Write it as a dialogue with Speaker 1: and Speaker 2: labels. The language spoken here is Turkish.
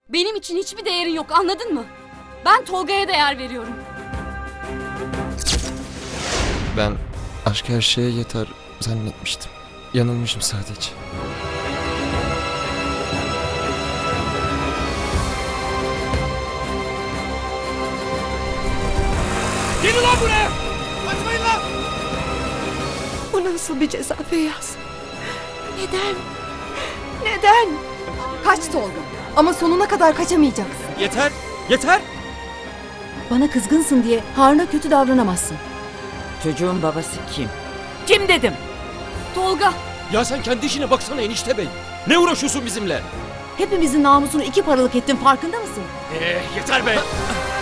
Speaker 1: Benim için hiçbir değerin yok, anladın mı? Ben Tolga'ya değer veriyorum.
Speaker 2: Ben aşk her şeye yeter zannetmiştim. Yanılmışım sadece.
Speaker 3: Gelin lan buraya! Kaçmayın lan!
Speaker 4: Bu nasıl bir ceza Feyyaz? Neden? Neden? Kaç Tolga. Ama sonuna kadar kaçamayacaksın.
Speaker 3: Yeter! Yeter!
Speaker 4: Bana kızgınsın diye Harun'a kötü davranamazsın.
Speaker 5: Çocuğun babası kim? Kim dedim?
Speaker 1: Tolga,
Speaker 3: Ya sen kendi işine baksana enişte bey. Ne uğraşıyorsun bizimle?
Speaker 4: Hepimizin namusunu iki paralık ettin, farkında mısın?
Speaker 3: Yeter be!